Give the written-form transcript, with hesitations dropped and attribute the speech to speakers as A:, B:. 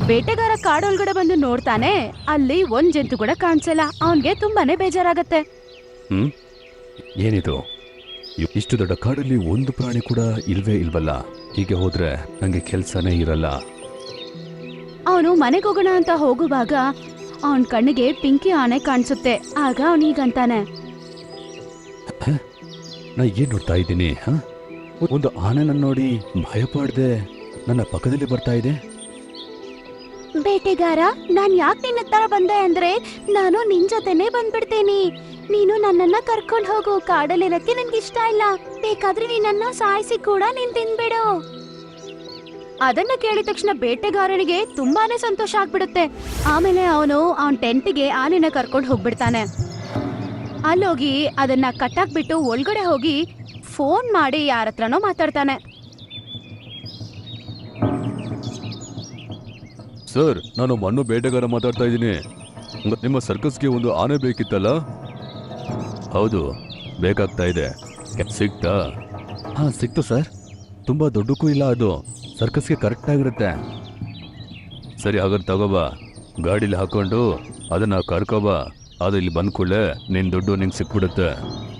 A: ಬೇಟೆಗಾರ ಕಾಡೊಳಗಡೆ ಬಂದು ನೋಡ್ತಾನೆ, ಅಲ್ಲಿ ಒಂದ್ ಜಂತು ಕೂಡ ಕಾಣಿಸಲ್ಲ. ಅವನ್ಗೆ ತುಂಬಾನೇ ಬೇಜಾರಾಗತ್ತೆ.
B: ಏನಿದು, ಇಷ್ಟು ದೊಡ್ಡ ಕಾಡಲ್ಲಿ ಒಂದು ಪ್ರಾಣಿ ಕೂಡ ಇಲ್ವೇ ಇಲ್ವಲ್ಲ. ಹೀಗೆ ಹೋದ್ರೆ ನಂಗೆ ಕೆಲ್ಸನೇ ಇರಲ್ಲ.
A: ಅವನು ಮನೆಗೆ ಹೋಗೋಣ ಅಂತ ಹೋಗುವಾಗ ಅವನ್ ಕಣ್ಣಿಗೆ ಪಿಂಕಿ ಆನೆ ಕಾಣಿಸುತ್ತೆ. ಆಗ ಅವನೀಗಂತಾನೆ,
B: ನಾ ಏನ್ ನೋಡ್ತಾ ಇದ್ದೀನಿ? ಒಂದು ಆನೆ ನನ್ನ ನೋಡಿ ಭಯ ಪಡ್ದೆ ನನ್ನ ಪಕ್ಕದಲ್ಲಿ ಬರ್ತಾ ಇದೆ.
A: ಬೇಟೆಗಾರ, ನಾನ್ ಯಾಕೆ ನಿನ್ನ ಹತ್ರ ಬಂದೆ ಅಂದ್ರೆ, ನಾನು ನಿನ್ ಜೊತೆನೆ ಬಂದ್ಬಿಡ್ತೀನಿ. ನೀನು ನನ್ನನ್ನ ಕರ್ಕೊಂಡು ಹೋಗು. ಕಾಡಲ್ಲಿರಕ್ಕೆ ನನ್ಗೆ ಇಷ್ಟ ಇಲ್ಲ. ಬೇಕಾದ್ರೆ ನೀನನ್ನ ಸಾಯಿಸಿ ಕೂಡ ನೀನ್ ತಿನ್ಬಿಡು. ಅದನ್ನ ಕೇಳಿದ ತಕ್ಷಣ ಬೇಟೆಗಾರನಿಗೆ ತುಂಬಾನೇ ಸಂತೋಷ ಆಗ್ಬಿಡುತ್ತೆ. ಆಮೇಲೆ ಅವನು ಅವನ್ ಟೆಂಟ್ಗೆ ಆನೆನ ಕರ್ಕೊಂಡು ಹೋಗ್ಬಿಡ್ತಾನೆ. ಅಲ್ಲೋಗಿ ಅದನ್ನ ಕಟ್ಟಾಕ್ಬಿಟ್ಟು ಒಳಗಡೆ ಹೋಗಿ ಫೋನ್ ಮಾಡಿ ಯಾರ ಹತ್ರನೋ ಮಾತಾಡ್ತಾನೆ.
B: ಸರ್, ನಾನು ಮಣ್ಣು ಬೇಟೆಗಾರ ಮಾತಾಡ್ತಾ ಇದ್ದೀನಿ. ನಿಮ್ಮ ಸರ್ಕಸ್ಗೆ ಒಂದು ಆನೆ ಬೇಕಿತ್ತಲ್ಲ? ಹೌದು, ಬೇಕಾಗ್ತಾ ಇದೆ. ಸಿಕ್ತಾ? ಹಾ, ಸಿಕ್ತು ಸರ್. ತುಂಬಾ ದೊಡ್ಡಕ್ಕೂ ಇಲ್ಲ, ಅದು ಸರ್ಕಸ್ಗೆ ಕರೆಕ್ಟ್ ಆಗಿರುತ್ತೆ. ಸರಿ, ಹಾಗಾದ್ರೆ ತಗೋಬಾ. ಗಾಡಿಲಿ ಹಾಕೊಂಡು ಅದನ್ನ ಕರ್ಕೋಬಾ. ಅದು ಇಲ್ಲಿ ಬಂದ್ ಕೂಡಲೇ ನಿನ್ ದುಡ್ಡು ನಿಂಗೆ ಸಿಕ್ಬಿಡುತ್ತೆ.